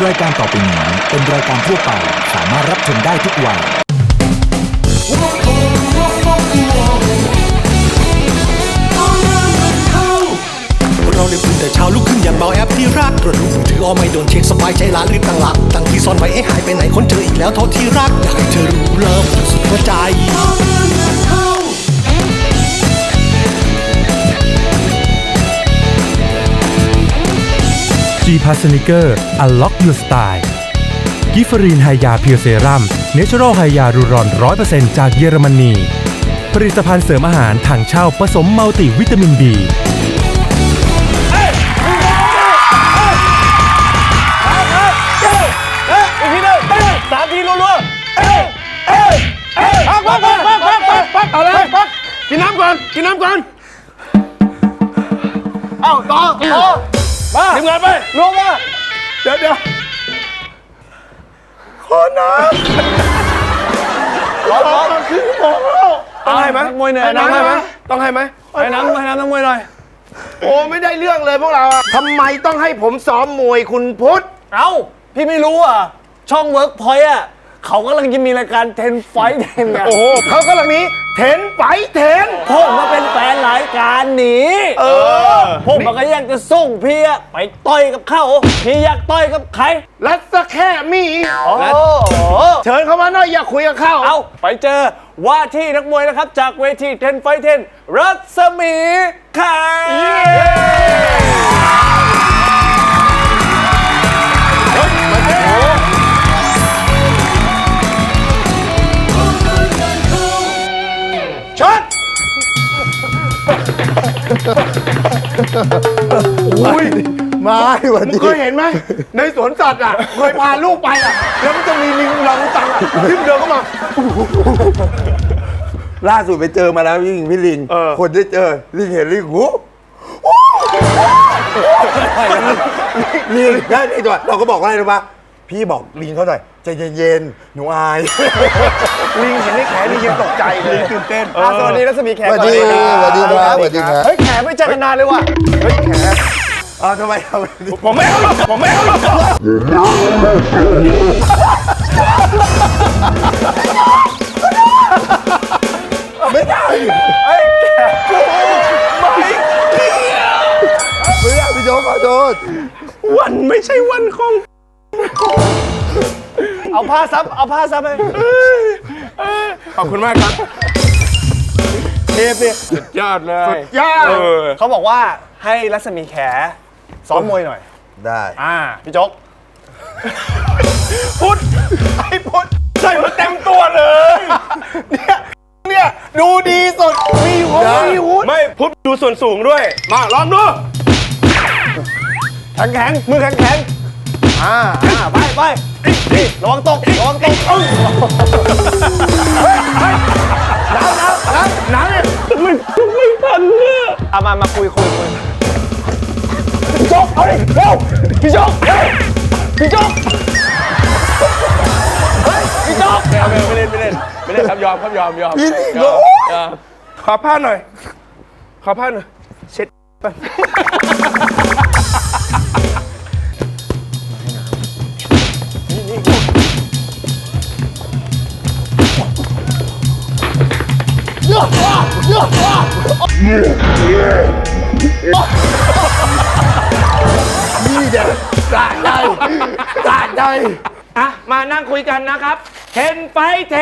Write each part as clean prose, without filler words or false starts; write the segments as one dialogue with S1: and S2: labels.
S1: รายการต่อไปนี้เป็นรายการทั่วไปสามารถรับชมได้ทุกวัย
S2: เราเลยตื่นแต่เช้าลุกขึ้นอย่างเบาแอปที่รักตรวจดูมือถือไม่โดนเช็คสบายใจละรีบตั้งหลักตั้งที่ซ่อนไว้ให้หายไปไหนคนเจออีกแล้วโทษที่รักอยากให้เธอรู้เลิฟสุดหัวใจ
S3: G-Pass Sneaker Unlock Your Style กิฟฟรีนไฮยาเพียวเซรั่มเนเชอรัลไฮยารูรอน 100% จากเยอรมนีผลิตภัณฑ์เสริมอาหารถังเช่าผสมมัลติวิตามิน B
S4: อีกทีหนึ่ง3 ทีรัวๆพักเอาเลยพักกินน้ำก่อนเอ้าต่อมาทีมงานไปรวมมาเดี๋ยวขอน้ำร้อนขึ้นหมดแล้วต้องให้ไหมมวยเหนื่อยน้ำให้ไหมต้องให้ไหมให้น้ำนักมวยหน่อยโอ้ไม่ได้เรื่องเลยพวกเราทำไมต้องให้ผมซ้อมมวยคุณพุทธ
S5: เอ้าพี่ไม่รู้อ่ะช่องเวิร์กพอยต์อ่ะเขากำลังจะมีรายการ10 ไฟท์ 10ไง
S4: โอ้โหเขากำลังนี้10 ไฟท์ 10
S5: ผมมาเป็นแฟนรายการนี้ผมมันก็อยากจะส่งพี่อะไปต่อยกับเขาพี่อยากต่อยกับใคร
S4: รัศแค่มีเชิญเขามาหน่อยอยากคุยกับเขา
S5: เอาไปเจอว่าที่นักมวยนะครับจากเวที10 ไฟท์ 10รัศมีแข
S4: ช็อตอุ้ยมาวันนี้เคยเห็นไหมในสวนสัตว์อ่ะเคยพาลูกไปอ่ะแล้วมันจะมีลิงรังตังอ่ะที่มันเดินเข้ามา
S6: ล่าสุดไปเจอมาแล้วพี่ลิงคนได้เจอลิงเห็นลิงหูลิงได้ไอ้ตัวเราก็บอกว่าอะไรรู้ปะพี่บอกลิงเขาหน่อยใจเย็นๆหนูอาย
S4: ลิงเห็นไอ้แขลิงยังตกใจเลยลิงตื่นเต้น
S5: สวัสดีรัศมีแข
S6: สวัสดีครับ
S5: เฮ้ยแขไม่เจอกันนานเลยว่ะ
S4: เฮ้ยแข
S6: ทำไม
S4: ผมไม่เอา
S6: ไม่ได้
S4: เฮ้ยแข
S6: ไม่ได้พี่โจ๊กขอโทษ
S4: วันไม่ใช่วันของ
S5: เอาผ้าซับไป
S4: ขอบคุณมากครับเทปเนี่ยสุดยอดเลย
S5: ยอดเขาบอกว่าให้รัศมีแขซ้อมมวยหน่อย
S6: ได้
S5: พี่โจ๊ก
S4: พุทธไอ้พุทธใส่มาเต็มตัวเลยเนี่ยดูดีสุดมีหูไม่พุทธดูส่วนสูงด้วยมาลองดู
S5: แข็งมือแข็งไประวังตก
S4: น้ำเนี่ยไม่ทันเนี่ย
S5: มาคุย
S4: พี่โจ๊กเอาดิเร็วพี่โจ๊กพี่โจ๊กไม่เล่นครับยอมขอผ้าหน่อยเช็ดไปนี่เด็กสะใจอ่ะมานั่งคุยกันนะครับ10 ไฟท์ 10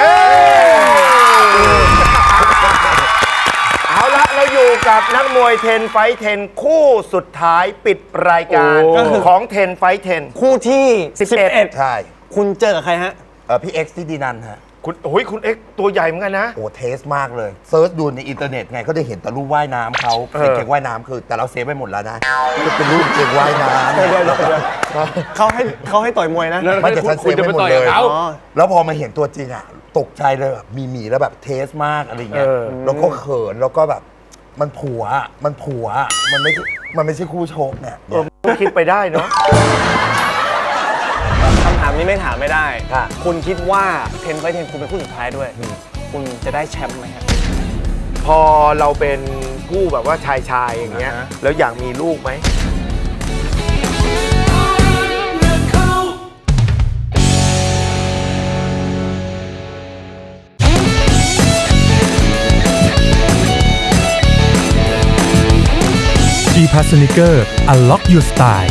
S4: เอาละเราอยู่กับนักมวย10 ไฟท์ 10คู่สุดท้ายปิดรายการของ10 ไฟท์ 10
S5: คู่ที่11
S6: ใช่
S5: คุณเจอกับใครฮะ
S6: พี่เอ็กซ์ที่ดีนันฮะ
S4: คุณเอ็กซ์ตัวใหญ่เหมือนกันนะ
S6: โอ้เทสมากเลยเซิร์ชดูในอินเทอร์เน็ตไงก็ได้เห็นแต่รูปว่ายน้ำเขาเป็นเก่งว่ายน้ำคือแต่เราเซฟไปหมดแล้วนะเป็นรูปเก่งว่ายน้ำ
S5: เขาให้ต่อยมวยนะ
S6: ไม่แต่ฉันเซฟไปหมดเลยแล้วพอมาเห็นตัวจริงอ่ะตกใจเลยแบบมีแล้วแบบเทสมากอะไรเงี้ยแล้วก็เขินแล้วก็แบบมันผัวมันไม่ใช่คู่ชกเนี่ย
S4: คิดไปได้เนาะ
S5: คำถามนี้ไม่ถามไม่ได้คุณคิดว่า10 ไฟท์ 10คุณเป็นคู่สุดท้ายด้วยคุณจะได้แชมป์ไหมครับ
S4: พอเราเป็นคู่แบบว่าชายอย่างเงี้ยแล้วอยากมีลูกไหม
S3: Pass Sneaker Unlock Your Style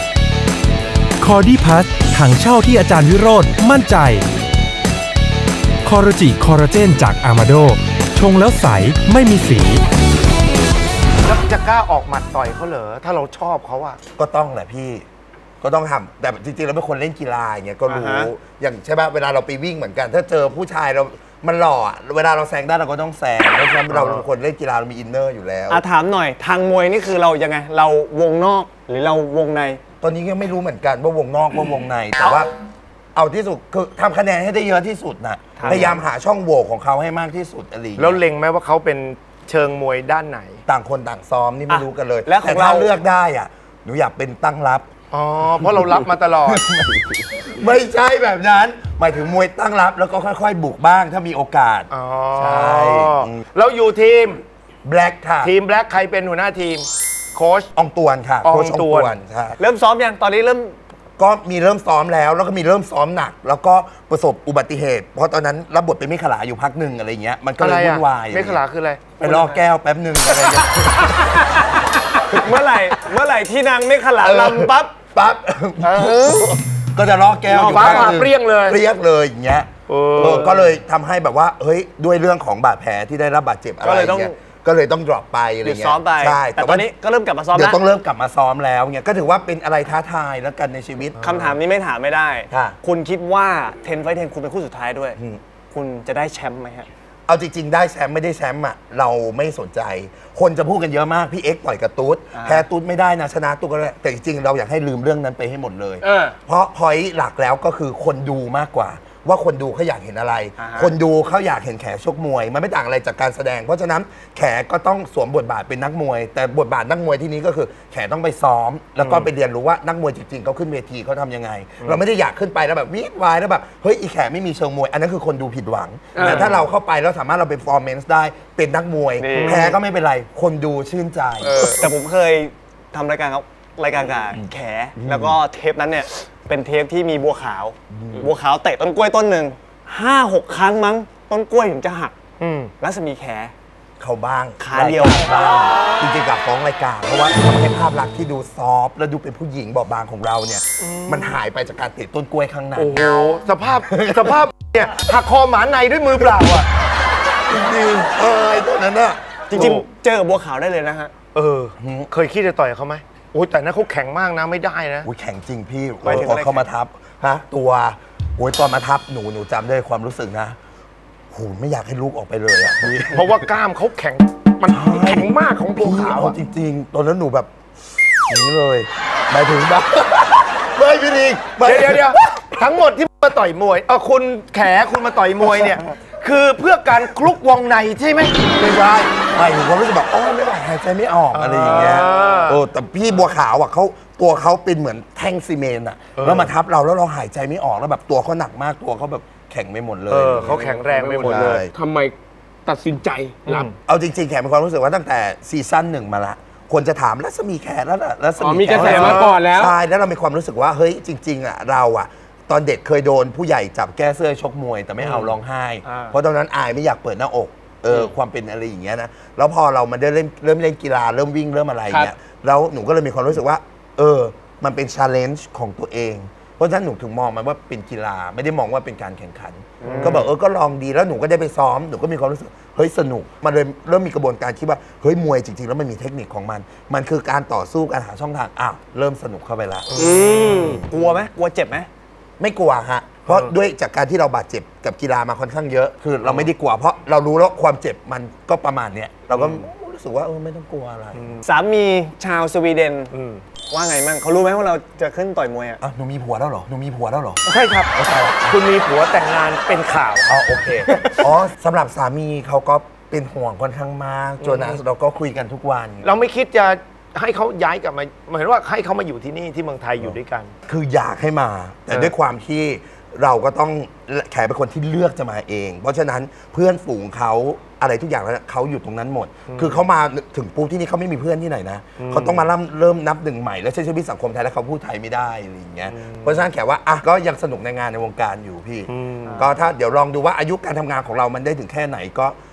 S3: Cordy Pass ถังเช่าที่อาจารย์วิโรจน์มั่นใจคอร์จิคอลลาเจนจากอามาโดชงแล้วใสไม่มีสี
S4: แล้วจะกล้าออกหมัดต่อยเขาเหรอถ้าเราชอบเขาอะ
S6: ก็ต้องแหละพี่ก็ต้องทำแต่จริงๆเราเป็นคนเล่นกีฬาอย่างเงี้ยก็รู้
S4: อ่าฮะ
S6: อย่างใช่ป่ะเวลาเราไปวิ่งเหมือนกัน ถ้าเจอผู้ชายเรามันหล่ออะเวลาเราแซงได้เราก็ต้องแซงเพราะฉะนั้นเราเป็นคนเล่นกีฬาเรามีอินเนอร์อยู่แล้ว
S5: ถามหน่อยทางมวยนี่คือเรายังไง เราวงนอกหรือเราวงใน
S6: ตอนนี้ก็ไม่รู้เหมือนกันว่าวงนอกว่าวงในแต่ว่าเอาที่สุดคือทำคะแนนให้ได้เยอะที่สุดนะพยายามหาช่องโหว่ของเขาให้มากที่สุดอะไรอย่าง
S4: แล้ว
S6: เงี้ย
S4: เล็งไหมว่าเขาเป็นเชิงมวยด้านไหน
S6: ต่างคนต่างซ้อมนี่ไม่รู้กันเลย
S5: แล้วของ
S6: แต่ถ้า
S5: เรา
S6: เลือกได้อ่ะหนูอยากเป็นตั้งรับ
S4: อ๋อ เพราะเรารับมาตลอด
S6: ไม่ใช่แบบนั้น หมายถึงมวยตั้งรับแล้วก็ค่อยๆ บุกบ้างถ้ามีโอกาส
S4: อ๋อ
S6: ใช่
S4: แล้วอยู่ทีม
S6: แบล็กค่ะ
S4: ทีมแบล็คใครเป็นหัวหน้าทีม โค้ช
S6: อองตวนค่ะ
S4: ออง
S6: โค้ช
S4: ตวน
S6: ใช่
S5: เริ่มซ้อมยังตอนนี้เริ่ม
S6: ก็มีเริ่มซ้อมแล้วก็มีเริ่มซ้อมหนัก แล้วก็ประสบอุบัติเหตุ เพราะตอนนั้นรับบทเป็นมิขลาอยู่พักหนึ่งอะไรเงี้ยมันก็
S4: อะ
S6: เล
S4: ไร
S6: ยวุ่
S4: อะ
S6: นวาย
S4: ไม่ขลาคืออะไร
S6: ไปล่อแก้วแป๊บหนึ่งอะไรเงี้ย
S5: เมื่อไหร่ที่นางไม่ขลาลำปั๊บ
S6: ปั๊บก็จะล่อแก้วอยู่
S4: ฟ้า
S6: พัก
S4: ผ่า
S6: หนึ่ง
S4: เปรี้ยงเลย
S6: เปรี้ยงเลยอย่างเงี้ยก็เลยทำให้แบบว่าเฮ้ยด้วยเรื่องของบาดแผลที่ได้รับบาดเจ็บอะไร
S5: ก็เลยต้อง
S6: เงี้ยก็เลยต้อง drop ไปอะไร
S5: หยุด
S6: เงี้ย
S5: ซ้อมไป
S6: ใช่
S5: แต่ตอนนี้ก็เริ่มกลับมาซ้อม
S6: เดี๋ย
S5: แล้ว ว
S6: ต้องเริ่มกลับมาซ้อมแล้วเงี้ยก็ถือว่าเป็นอะไรท้าทายแล้วกันในชีวิต
S5: คำถามนี้ไม่ถามไม่ได้
S6: ค่ะ
S5: คุณคิดว่าเทนไฟเทนคุณเป็นคู่สุดท้ายด้วย
S6: อืม
S5: คุณจะได้แชมป์ไหมฮะ
S6: เอาจริงๆ ได้แชมป์ไม่ได้แชมป์อ่ะเราไม่สนใจ คนจะพูดกันเยอะมาก พี่เอ็กซ์ต่อยกับตุ๊ดแพ้ตุ๊ดไม่ได้นะชนะตุ๊ดก็ได้แต่จริงๆ เราอยากให้ลืมเรื่องนั้นไปให้หมดเลย เพราะพอยต์หลักแล้วก็คือคนดูมากกว่า ว่าคนดูเขาอยากเห็นอะไร คนดูเขาอยากเห็นแขชกมวย มันไม่ต่างอะไรจากการแสดง เพราะฉะนั้นแขก็ต้องสวมบทบาทเป็นนักมวย แต่บทบาทนักมวยที่นี้ก็คือแขต้องไปซ้อม แล้วก็ไปเรียนรู้ว่านักมวยจริงๆเขาขึ้นเวทีเขาทำยังไง เราไม่ได้อยากขึ้นไปแล้วแบบวิดวายแล้วแบบเฮ้ยอีแขไม่มีเชิงมวยอันนั้นคือคนดูผิดหวัง แต่ถ้าเราเข้าไปแล้วสามารถเราเป็นฟอร์แมนซ์ได้เป็นนักมวย
S5: นี่
S6: แพ้ก็ไม่เป็นไร คนดูชื่นใจ
S5: แต่ผมเคยทำรายการกับแขแล้วก็เทปนั้นเนี่ยเป็นเทปที่มีบัวขาว บัวขาวเตะต้นกล้วยต้นหนึ่ง5-6 ครั้งมั้งต้นกล้วยถึงจะหักรัศมีแข
S6: เขาบ้าง
S5: ขาเดียว
S6: รกรบ้างจริงๆกับฟ้องรายการเพราะว่าทำให้ภาพลักษณ์ที่ดูซอฟต์และดูเป็นผู้หญิงบอบบางของเราเนี่ยมันหายไปจากการเตะต้นกล้วยข้างใน
S4: โอ้โห สภาพเนี่ยหักคอหมาในด้วยมือเปล่าอ่ะ
S6: จริงๆไอ้ตัวนั้นน่ะ
S5: จริงๆ เจอกับบัวขาวได้เลยนะฮะ
S4: เคยคิดจะต่อยเขาไหมโอ้ยแต่นั้นเขาแข็งมากนะไม่ได้นะ
S6: อุ้ยแข็งจริงพี่
S5: หมายถึง
S6: พอ
S5: อะไร
S6: เขามาทับฮะตัวโอ้ยตอนมาทับหนูจำได้ความรู้สึกนะโหไม่อยากให้ลูกออกไปเลยอ่ะพี่
S4: เพราะว่ากล้ามเขาแข็ง มันแข็งมากของบัว
S6: พี่
S4: ขาว
S6: เอา
S4: อะ
S6: จริงๆตอนนั้นหนูแบบอย่างนี้เลยหมายถึงแบบ ไม่พี่ดิงไม่
S4: เดี๋ยวทั้งหมดที่มาต่อยมวยคุณแขคุณมาต่อยมวยเนี่ย คือเพื่อการคลุกวงในใช่ไหม
S6: ไม่ใช่ไม่ถึงความรู้สึกแบบอ๋อไม่ไหวหายใจไม่ออกอะไรอย่างเงี้ยแต่พี่บัวขาวอ่ะเขาตัวเขาเป็นเหมือนแท่งซีเมนต์อ่ะแล้วมาทับเราแล้วเราหายใจไม่ออกแล้วแบบตัวเขาหนักมากตัวเขาแบบแข็งไม่หมดเลย
S4: เขาแข็งแรงไปหมดเลย
S7: ทำไมตัดสินใจรับ
S6: เอาจริงๆแขกมีความรู้สึกว่าตั้งแต่ซีซั่นหนึ่งมาละคนจะถามรัศมีแขแล้วล่ะรัศ
S7: อ๋อ
S6: มี
S7: มีกระแสมาก่อนแล้ว
S6: ใช่แล้วเรามีความรู้สึกว่าเฮ้ยจริงๆอ่ะเราอ่ะตอนเด็กเคยโดนผู้ใหญ่จับแก้เสื้อชกมวย แต่ไม่เอาร้องไห้ เพราะตอนนั้นอายไม่อยากเปิดหน้าอกความเป็นอะไรอย่างเงี้ยนะแล้วพอเรามาได้เริ่มเล่นกีฬาเริ่มวิ่งเริ่มอะไรเงี้ยแล้วหนูก็เลยมีความรู้สึกว่ามันเป็น challenge ของตัวเอง เพราะฉะนั้นหนูถึงมองมันว่าเป็นกีฬาไม่ได้มองว่าเป็นการแข่งขัน ก็บอกก็ลองดีแล้วหนูก็ได้ไปซ้อมหนูก็มีความรู้สึกเฮ้ยสนุกมันเลยเริ่มมีกระบวนการคิดว่าเฮ้ยมวยจริงๆแล้วมันมีเทคนิคของมัน มันคือการต่อสู้การหาช่องทางอ้าวเริ่มสนุกเข้าไปละ
S5: กลัวไหมกลัวเจ็บไหม
S6: ไม่กลัวฮะเพราะด้วยจากการที่เราบาดเจ็บกับกีฬามาค่อนข้างเยอะคือเราไม่ได้กลัวเพราะเรารู้แล้วความเจ็บมันก็ประมาณเนี้ยเราก็รู้สึกว่าไม่ต้องกลัวอะไร
S5: สามีชาวสวีเดนว่าไงมั่งเขารู้ไหมว่าเราจะขึ้นต่อยมวยอ่ะ
S6: หนูมีผัวแล้วเหรอหนูมีผัวแล้วเหรอ
S4: ใช่ครับ คุณมีผัวแต่งงานเป็นข่าว
S6: โอเค สำหรับสามีเขาก็เป็นห่วงค่อนข้างมากจนเราก็คุยกันทุกวัน
S4: เราไม่คิดจะให้เขาย้ายกลับมาเหมือนว่าให้เขามาอยู่ที่นี่ที่เมืองไทยอยู่ด้วยกัน
S6: คืออยากให้มา แต่ด้วยความที่เราก็ต้องแขกเป็นคนที่เลือกจะมาเอง เพราะฉะนั้นเพื่อนฝูงเขาอะไรทุกอย่างแล้วเขาอยู่ตรงนั้นหมด คือเขามาถึงปุ๊บที่นี่เขาไม่มีเพื่อนที่ไหนนะเขาต้องมาเริ่มนับหนึ่งใหม่แล้วใช้ชีวิตสังคมไทยแล้วเขาพูดไทยไม่ได้อะไรอย่างเงี้ยเพราะฉะนั้นแขกว่าก็ยังสนุกในงานในวงการอยู่พี่ก็ถ้าเดี๋ยวลองดูว่าอายุการทำงานของเรามันได้ถึงแค่ไหน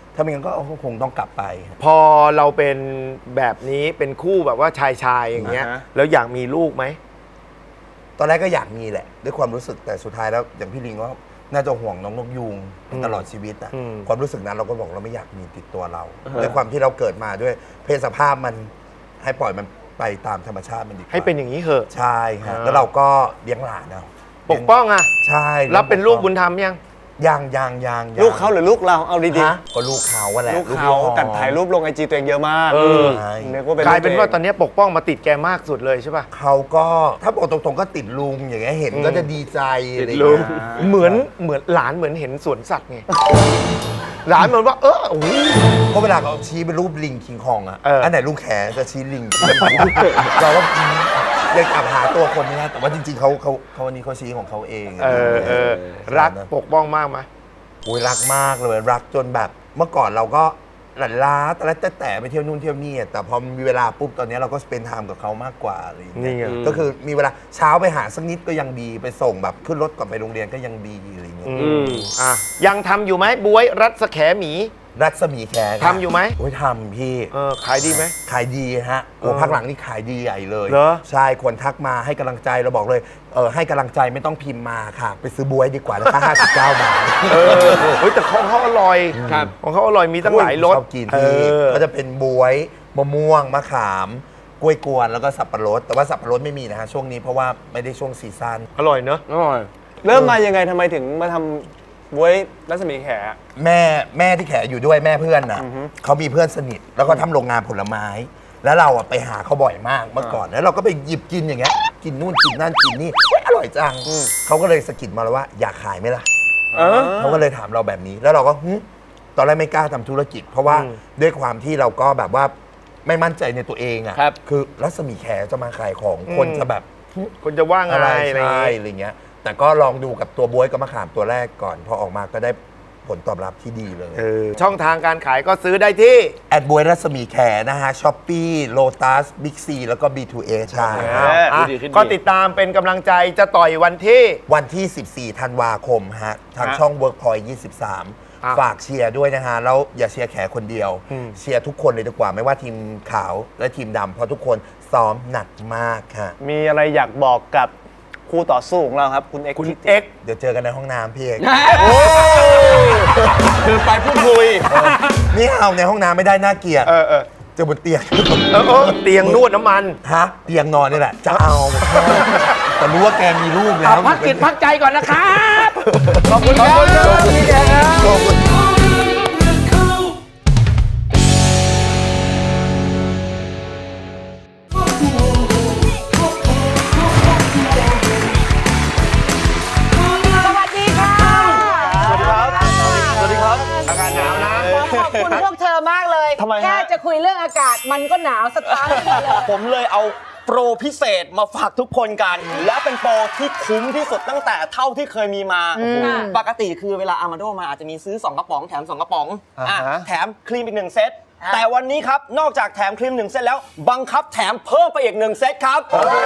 S6: ถ้าไม่งั้นก็คงต้องกลับไป
S4: พอเราเป็นแบบนี้เป็นคู่แบบว่าชายอย่างเงี้ย
S5: อ่าฮะ
S4: แล้วอยากมีลูกไหม
S6: ตอนแรกก็อยากมีแหละ ด้วยความรู้สึกแต่สุดท้ายแล้วอย่างพี่ลิงก็น่าจะห่วงน้องนกยูงตลอดชีวิตนะ
S4: อืม
S6: ความรู้สึกนั้นเราก็บอกเราไม่อยากมีติดตัวเราด้วยความที่เราเกิดมาด้วยเพศสภาพมันให้ปล่อยมันไปตามธรรมชาติมันดีกว่า
S4: ให้เป็นอย่างนี้เหอะ
S6: ใช่ฮะแล้วเราก็เลี้ยงหลานเอา
S4: ปกป้องอ่ะ
S6: ใช่
S4: รับเป็นลูกบุญธรรมยัง
S6: ยัง
S5: ลูกเขาหรือลูกเราเอาดี
S6: ฮะก็ลูกเขาว่าแหละ
S5: ๆลูกเขา
S6: พี่
S5: แต่ถ่ายรูปลงไอจีตัวเองเยอะมาก
S4: เออ
S6: ใช่
S5: นึกว่าเป็น
S4: กลายเป็นว่าตอน
S5: ลูก
S4: นี้ปกป้องมาติดแกมากสุดเลยใช่ป่ะ
S6: เขาก็ถ้าบอกตรงๆก็ติดลุงอย่างเงี้ยเห็นก็จะดีใจอะไรอย่าง
S4: ลุ
S6: เงี้
S4: ง
S6: ย
S4: เหมือนหลานเหมือนเห็นสวนสัตว์ไง หลานเหมือนว่าโอ้โห
S6: เพราะเวลาเขาชี้เป็นรูปลิงคิงคองอ่ะ
S4: อั
S6: นไหนลุงแขจะชี้ลิง เราก็ยังกลับหาตัวคนไม่ได้แต่ว่าจริงๆเขาวันนี้เขาชี้ของเขาเอง
S4: รักปกป้องมากไหม
S6: โอ้ยรักมากเลยรักจนแบบเมื่อก่อนเราก็หลั่นล้าแต่ไปเที่ยวนู่นเที่ยวนี่แต่พอมีเวลาปุ๊บตอนนี้เราก็สเปนไทม์กับเขามากกว่าอะไรอย่างเงี้ยก็คือมีเวลาเช้าไปหาสักนิดก็ยังดีไปส่งแบบขึ้นรถก่อนไปโรงเรียนก็ยังดีอะไรอย่างเงี้ย
S4: อ่ะยังทำอยู่ไหมบวยรัศแขหมี
S6: รัศมีแขก
S4: ทำอยู่ไหม
S6: โอ้ยทำพี่
S4: ขายดีไหม
S6: ขายดีฮะโอ้พักหลังนี่ขายดีใหญ่เลย
S4: เหรอ
S6: ใช่คนทักมาให้กำลังใจเราบอกเลยให้กำลังใจไม่ต้องพิมพ์มาค่ะ ไปซื้อบวยดีกว่าราคา59 บาท
S4: เฮ้ยแต่ของเขาอร่อย
S7: ครับ
S4: ของเขาอร่อยมีตั้งหลายรส
S6: ชอบกินที่ก็จะเป็นบวยมะม่วงมะขามกล้วยกวนแล้วก็สับปะรดแต่ว่าสับปะรดไม่มีนะฮะช่วงนี้เพราะว่าไม่ได้ช่วงซีซั่น
S4: อร่อยเนอะ
S7: อร่อย
S5: เริ่มมายังไงทำไมถึงมาทำบวยรัศมีแข
S6: แม่ที่แขอยู่ด้วยแม่เพื่อนน่ะเขามีเพื่อนสนิทแล้วก็ทำโรงงานผลไม้ แล้วเราอะไปหาเขาบ่อยมากเมื่อก่อนแล้วเราก็ไปหยิบกินอย่างเงี้ยกินนู่นกินนั่นกินนี่เฮ้ยอร่อยจังเขาก็เลยสะกิดมาแล้วว่าอยากขายไหมล่ะเขาก็เลยถามเราแบบนี้แล้วเราก็ตอนแรกไม่กล้าทำธุรกิจ เพราะว่าด้วยความที่เราก็แบบว่าไม่มั่นใจในตัวเองอ่ะ
S7: ครับ
S6: คือรัศมีแขจะมาขายของคนจะแบบ
S4: คนจะว่าไง
S6: อะไร
S4: อะไรอย่าง
S6: ใช่
S4: งี้
S6: อะไรเงี้ยแต่ก็ลองดูกับตัวบวยกับมะขามตัวแรกก่อนพอออกมาก็ได้ผลตอบรับที่ดีเลย
S4: ช่องทางการขายก็ซื้อได้ที่
S6: แอดบวยรัศมีแขนะฮะช้อปปี้โลตัสบิ๊กซีแล้วก็ B2A ใช่
S7: ดีขึ้นดี
S4: ก็ติดตามเป็นกำลังใจจะต่อยวันที่
S6: วันที่ 14 ธันวาคมฮะ ทางช่อง Workpoint 23 ฝากเชียร์ด้วยนะฮะ แล้วอย่าเชียร์แขคนเดียว เชียร์ทุกคนเลยดีกว่า ไม่ว่าทีมขาวและทีมดำเพราะทุกคนซ้อมหนักมากฮะ
S5: มีอะไรอยากบอกกับคู่ต่อสู้ของเราครับ คุณเอ็กซ์
S4: คุณเอ็กซ์
S6: เดี๋ยวเจอกันในห้องน้ำพี่เอก
S7: คือไปพูดคุย
S6: นี่เอาในห้องน้ำไม่ได้น่าเกลียดเจอบนเตียง
S4: เตียงนวดน้ำมัน
S6: ฮะเตียงนอนนี่แหละ จะเอาแต่รู้ว่าแกมีลูกแล้ว
S4: พักจิตพักใจก่อนนะครับ
S7: ขอบคุณครับพี่แกครับ
S6: ขอบคุณ
S8: สวัสดีค่ะ
S5: สวัสดีครับ สวัสดีครับ
S4: อากาศหนาวนะ
S8: ขอบคุณพวกเธอมากเลย
S5: ทำไมฮะ
S8: แค่จะคุยเรื่องอากาศมันก็หนาวสตาร์ทเลย
S9: ผมเลยเอาโปรพิเศษมาฝากทุกคนกัน และเป็นโปรที่คุ้มที่สุดตั้งแต่เท่าที่เคยมีมา ปกติคือเวลาอามาโดมาอาจจะมีซื้อ 2 กระป๋องแถม 2 กระป๋องแถมครีมอีก 1 เซต แต่วันนี้ครับ นอกจากแถมครีม 1 เซตแล้ว บังคับแถมเพิ่มไปอีก 1 เซตครับ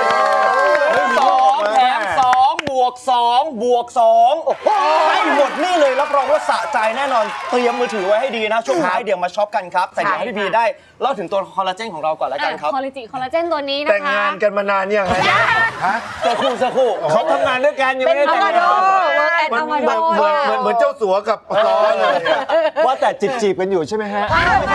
S9: 2แถม2บวก2บวก2ให้หมดนี่เลยรับรองว่าสะใจแน่นอน เตรียมมือถือไว้ให้ดีนะ ช่วงท้ายเดี๋ยวมาช็อปกันครับแต่เดี๋ยวให้พี่บีได้เล่าถึงตัวคอลลาเจนของเราก่อนแล้วกันครับ
S10: คอลลาเจนตัวนี้นะคะ
S4: แต่งงานกันมานานยังไง
S9: สักครู่
S5: เขาทำงานด้วยกันยัง
S8: เป็
S5: ไม่
S8: น
S5: ได้
S8: อา
S5: แต่ง
S8: มาโด
S5: งาน
S8: เวิร์กแอนด์อามาโด
S4: เหมือนเจ้าสัวกับล้อเลย
S5: ว่าแต่จีบกันอยู่ใช่ไหมฮะ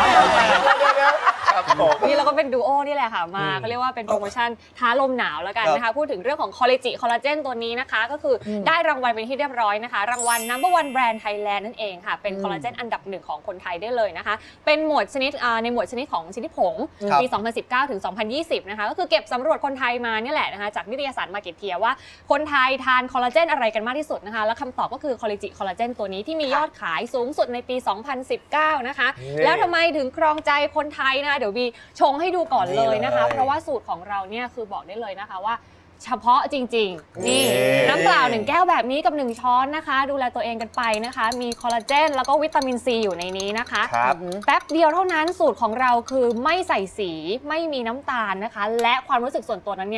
S10: นี่เราก็เป็นดูโอนี่แหละค่ะมาเขาเรียกว่าเป็นโปรโมชั่นท้าลมหนาวแล้วกันนะคะพูดถึงเรื่องของคอลลาเจนตัวนี้นะคะก็คือได้รางวัลเป็นที่เรียบร้อยนะคะรางวัล No. 1 Brand Thailand นั่นเองค่ะเป็นคอลลาเจนอันดับ1ของคนไทยได้เลยนะคะเป็นหมวดชนิดในหมวดชนิดของชนิดผงปี 2019 ถึง 2020 นะคะก็คือเก็บสำรวจคนไทยมาเนี่ยแหละนะคะจากนิตยสาร Marketeer ว่าคนไทยทานคอลลาเจนอะไรกันมากที่สุดนะคะแล้วคำตอบก็คือคอลลาเจนตัวนี้ที่มียอดขายสูงสุดในปี 2019 นะคะแล้วทำไมถึงครองใจคนไทยนะคะเดี๋ยวบีชงให้ดูก่อนเลยนะคะ เพราะว่าสูตรของเราเนี่ยคือบอกได้เลยนะคะว่าเฉพาะจริงๆนี่น้ำเปล่า1 แก้วแบบนี้กับ1 ช้อนนะคะดูแลตัวเองกันไปนะคะมีคอลลาเจนแล้วก็วิตามินซีอยู่ในนี้นะคะแป๊บเดียวเท่านั้นสูตรของเราคือไม่ใส่สีไม่มีน้ำตาลนะคะและความรู้สึกส่วนตัวนั้นเนี่ย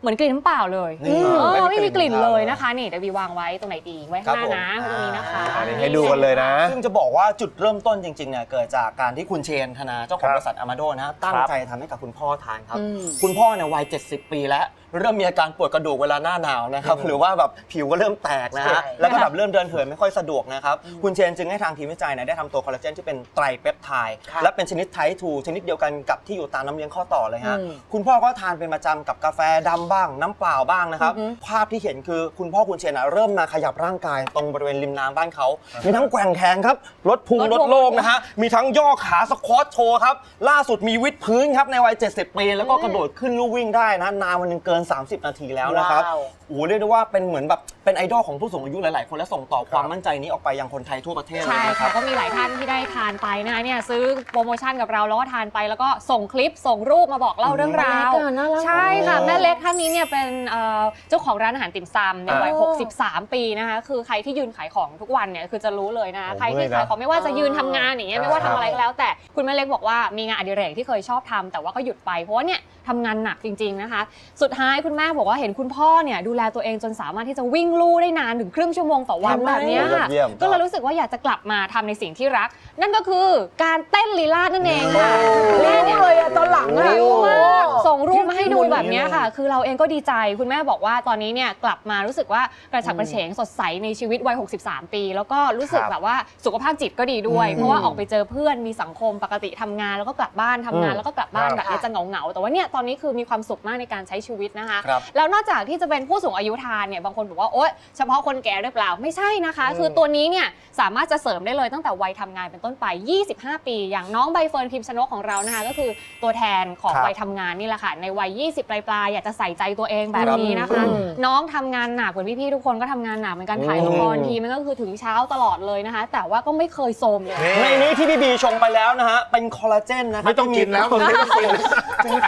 S10: เหมือนกลิ่นน้ำเปล่าเลย
S9: นี่
S10: ไม่มีกลิ่น
S9: ครับ
S10: เลยนะคะนี่เดี๋ยววีวางไว้ตรงไหนดีไว้ข้างหน้านะตรงนี้นะคะ
S5: ให้ดูกันเลยนะ
S9: ซึ่งจะบอกว่าจุดเริ่มต้นจริงๆเนี่ยเกิดจากการที่คุณเชนธนาเจ้าของบริษัทอามาโดนะฮะตั้งใจทำให้กับคุณพ่อทานครับ คุณพ่อเนี่ยวัย 70 ปีแล้วเริ่มมีอาการปวดกระดูกเวลาหน้าหนาวนะครับหรือว่าแบบผิวก็เริ่มแตกนะฮะแล้วก็แบบเริ่มเดินเหินไม่ค่อยสะดวกนะครับคุณเชนจึงให้ทางทีมวิจัยเนี่ยได้ทำตัวคอลลาเจนที่เป็นไตรเปปไทด์และเป็นชนิดไทป์2ชนิดเดียวกันกับที่อยู่ตามน้ำเลี้ยงข้อต่อเลยฮะคุณพ่อก็ทานเป็นประจำกับกาแฟดำบ้างน้ำเปล่าบ้างนะครับภาพที่เห็นคือคุณพ่อคุณเชนเริ่มมาขยับร่างกายตรงบริเวณริมน้ำบ้านเขามีทั้งแกว่งแขนครับลดพุงลดโลกนะฮะมีทั้งย่อขาสควอตโชว์ครับล่าสุดมีวิดพื้นครับในวัย 70 ปีแล้วก็กระโดดขึ้นลู่วิ่งได้นะนานวันนึงเกิน 30 นาทีแล้วนะครับโอ้โหเรียกได้ว่าเป็นเหมือนแบบเป็นไอดอลของผู้สูงอายุหลายๆคนและส่งต่อความมั่นใจนี้ออกไปยังคนไทยทั่วประเทศเลย
S10: ใช่
S9: นะค
S10: ค่ะ
S9: รับ
S10: ก็มีหลายท่านที่ได้ทานไปนะคะเนี่ยซื้อโปรโมชั่นกับเราแล้วก็ทานไปแล้วก็ส่งคลิปส่งรูปมาบอกเล่าเรื่องราว
S8: น่ารัก
S10: ใช่ค่ะแม่เล็กท่านนี้เนี่ยเป็นเจ้าของร้านอาหารติ่มซำในวัย 63 ปีนะคะคือใครที่ยืนขายของทุกวันเนี่ยคือจะรู้เลยนะคะใครที่ขายของไม่ว่าจะยืนทำงานอย่างเงี้ยไม่ว่าทำอะไรก็แล้วแต่คุณแม่เล็กบอกว่ามีงานอดิเรกที่เคยชอบทำแต่ว่าก็หยุดไปเพราะว่าเนี่ยทำงานหนักจริงๆนะคะสุดท้ายคุณแม่บอกว่าเห็นคุณพ่อเนี่ยดูแลตัวเองจนสามารถที่จะวิ่งลู่ได้นานถึงครึ่งชั่วโมงต่อวันแบบเนี้ยค่ะ
S5: เยี่ยม
S10: ก็เลยรู้สึกว่าอยากจะกลับมาทำในสิ่งที่รัก นั่นก็คือการเต้นลีลาศนั่นเองค่ะแม่เนี่ย
S8: เลยอะตอนหลังอะ
S10: หิวมากส่งรูปมาให้ดูแบบเนี้ยค่ะ คือเราเองก็ดีใจคุณแม่บอกว่าตอนนี้เนี่ยกลับมารู้สึกว่ากระฉับกระเฉงสดใสในชีวิตวัย 63 ปี แล้วก็รู้สึกแบบว่าสุขภาพจิตก็ดีด้วย เพราะว่าออกไปเจอเพื่อนมีสังคมปกติทำงานแล้วก็กลับบ้านทำงานแล้วก็กลับบ้านแบบนี้จะเหงาๆแต่ว่าเนี่ยตอนนี้คือมีความสุขมากในการใช้ชีวิตนะคะ
S9: ครับ
S10: แล้วนอกจากที่จะเป็นผู้สูงอายุทานเนี่ยบางคนบอกว่าโอ๊ยเฉพาะคนแก่หรือเปล่าไม่ใช่นะคะ คือตัวนี้เนี่ยสามารถจะเสริมได้เลยตั้งแต่วัยทำงานเป็นต้นไป 25 ปีอย่างน้องใบเฟิร์นพิมพ์ชนกของเรานะคะก็คือตัวแทนของวัยทำงานนี่แหละค่ะในวัย 20 ปลายๆอยากจะใส่ใจตัวเองแบบนี้นะคะ น้องทำงานหนักเหมือนพี่ๆทุกคนก็ทำงานหนักเหมือนกันถ่ายละครทีมันก็คือถึงเช้าตลอดเลยนะคะ แต่ว่าก็ไม่เคยโทรมเลย
S9: ในนี้ที่พี่บีชงไปแล้วนะฮะเป็นคอลลาเจนนะครับ
S4: ไม่ต้องกินแล้วมึงไม่ต้องกิน
S9: ถึง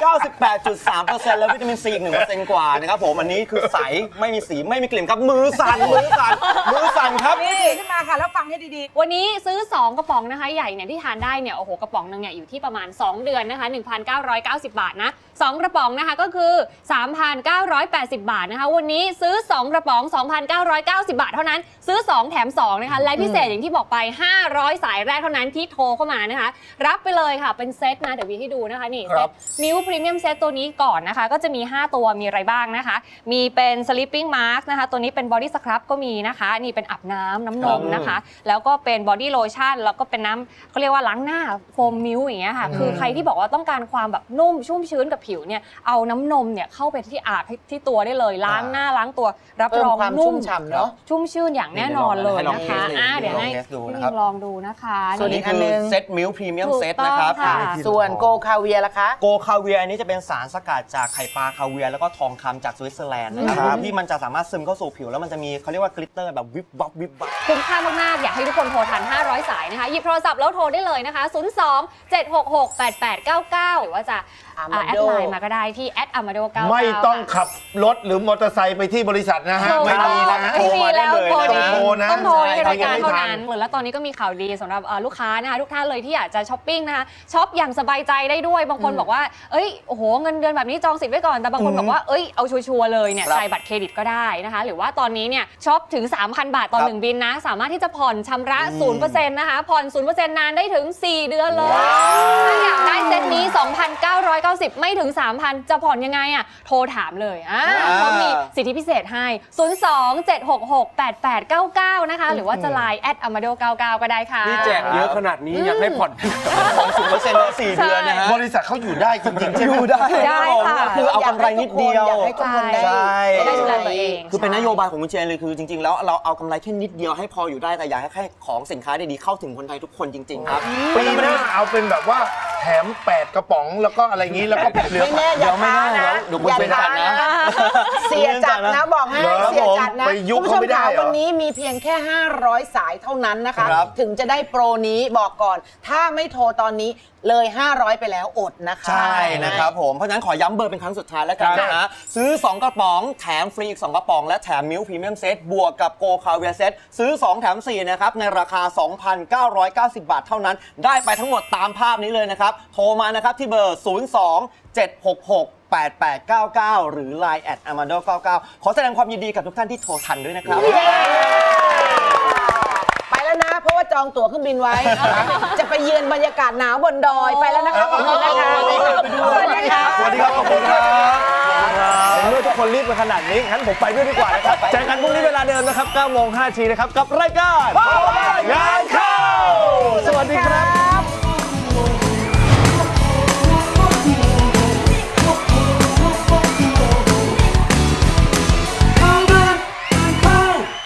S9: 98.3% แล้ววิตามินซีอีก 1% กว่านะครับผมอันนี้คือใสไม่มีสีไม่มีกลิ่นครับมือสั่นครับ
S8: นี่ขึ้นมาค่ะแล้วฟังให้ดี
S10: วันนี้ซื้อ 2 กระป๋องนะคะใหญ่เนี่ยที่ทานได้เนี่ยโอ้โหกระป๋องนึงเนี่ยอยู่ที่ประมาณ 2 เดือนนะคะ 1,990 บาทนะ2กระป๋องนะคะก็คือ 3,980 บาทนะคะวันนี้ซื้อ2กระป๋อง 2,990 บาทเท่านั้นซื้อ2แถม2นะคะและพิเศษอย่างที่บอกไป500สายแรกเท่านั้นที่โทรเข้ามานะคะรับไปเลยค่ะเป็นเซตนะเดี๋ยววีให้ดูนะคะนี่เซตมิวพรีเมียมเซตตัวนี้ก่อนนะคะก็จะมี5ตัวมีอะไรบ้างนะคะมีเป็น sleeping mask นะคะตัวนี้เป็น body scrub ก็มีนะคะนี่เป็นอาบน้ำนมนะคะแล้วก็เป็น body lotion แล้วก็เป็นน้ำเขาเรียกว่าล้างหน้าโฟมมิลอย่างเงี้ยค่ะคือใครที่บอกว่าต้องการความแบบนุ่มชุ่มชื้นกับผิวเนี่ยเอาน้ำนมเนี่ยเข้าไปที่อาบที่ตัวได้เลยล้างหน้าล้างตัวรับรองนุ่มชุ่มชื่นอย่างแน่นอนเลยนะคะเดี๋ยวให้พี่มิงลองดูนะคะ
S9: ส่วนนี้คือเซตมิลพรีเมียมเซตนะครับ
S8: ๆ ส่วนโกคาเวียล่ะคะ
S9: โกคาเวียร์นี้จะเป็นสารสกัดจากไข่ปลาคาเวียร์แล้วก็ทองคำจากสวิตเซอร์แลนด์นะครับที่มันจะสามารถซึมเข้าสู่ผิวแล้วมันจะมีเขาเรียกว่ากลิตเตอร์แบบวิบวับวิบวับ
S10: คุ้มค่ามากๆอยากให้ทุกคนโทรทัน500สายนะคะหยิบโทรศัพท์แล้วโทรได้เลยนะคะ02-766-8899หรือว่าจะแอดไลน์มาก็ได้ที่@amado99
S4: ไม่ต้องขับรถหรือมอเตอร์ไซค์ไปที่บริษัทนะฮะ ไม่มีนะฮะ
S10: ไม่มีแล้วโทร
S4: ต้องโทรนะ
S10: ต้องโทรในรายการ
S4: ไม่
S10: เท่า
S4: ทัน
S10: นั้นแล้วตอนนี้ก็มีข่าวดีสำหรับลูกค้านะคะทุกท่านเลยที่อยากจะช้อปปิ้งนะคะช็อปอย่างสบายใจได้ด้วยบางคนบอกว่าเอ้ยโอ้โหเงินเดือนแบบนี้จองสิทธิ์ไว้ก่อนแต่บางคนบอกว่าเอ้ยเอาชัวร์ๆเลยเนี่ยจ่ายบัตรเครดิตก็ได้นะคะหรือว่าตอนนี้เนี่ยช็อปถึง 3,000 บาทต่อ1บินนะสามารถที่จะผ่อนชำระ 0% นะคะผ่อน 0% นานได้ถึง4เดือนเลยถ้าอยากได้เซตนี้ 2,990 ไม่ถึง 3,000 จะผ่อนยังไงอ่ะโทรถามเลยเขามีสิทธิพิเศษให้ 02-766-8899 นะคะหรือว่าจะไลน์@amado99 ก็ได้ค่ะ
S7: นี่แจกเยอะขนาดนี้อยากให้ผ่อน
S9: 0% ได้4 เดือนนะฮะ
S4: บริษัทเขาอยู่ได้จริงๆใช่ไหม
S9: อยู่ได้
S10: ได้ค่ะ
S9: คือเอากำไรนิดเดียว
S8: อยากให้ทุกคนได้
S9: ใช่
S10: ได้ดูแลตัวเอง
S9: คือเป็นนโยบายของคุณเชนเลยคือจริง ๆ แล้วเราเอากำไรแค่นิดเดียวให้พออยู่ได้แต่อยากให้ของสินค้าดีๆเข้าถึงคนไทยทุกคนจริง ๆ ครับ
S4: ปีหน้าเอาเป็นแบบว่าแถม8กระป๋องแล้วก็อะไรงี้แล้วก็เหลือ
S8: ไม่แน่อย่าท้านะ
S9: เดี๋ยวคุณเป็นจัดนะ
S8: เสียจัดนะบอกให้
S4: เหรอ
S8: เสียจัดนะ
S4: ไปยุ
S8: คุณผู้ช
S4: เขา
S8: ม
S4: ไม่ได้
S8: ขา
S4: เหรอ
S8: วันนี้มีเพียงแค่500สายเท่านั้นนะคะ
S9: ครับ
S8: ถึงจะได้โปรนี้บอกก่อน ถ้าไม่โทรตอนนี้เลย500ไปแล้วอดนะคะ
S9: ใช่นะครับผมเพราะฉะนั้นขอย้ำเบอร์เป็นครั้งสุดท้ายแล้วกันนะฮะซื้อ2กระป๋องแถมฟรีอีก2กระป๋องและแถมมิลพรีเมียมเซตบวกกับโกคาเวียเซตซื้อ2แถม4นะครับในราคา 2,990 บาทเท่านั้นได้ไปทั้งหมดตามภาพนี้เลยนะครับโทรมานะครับที่เบอร์ 02-766 8899 หรือ Line @amado99 ขอแสดงความยินดีกับทุกท่านที่โทรทันด้วยนะครับ
S8: ไปแล้วนะ เพราะว่าจองตั๋วเครื่องบินไว้ จะไปเยือนบรรยากาศหนาวบนดอยไปแล้วนะคะขอบคุณนะคะสวัสดีค่ะ
S5: สวัสดีครับ ขอบคุณครับเมื่อทุกคนรีบมาขนาดนี้งั้นผมไปด้วยดีกว่านะครับเจอกันพรุ่งนี้เวลาเดิมนะครับ 9:05 น.นะครับ กับรายการงานเข้าสวัสดีครับ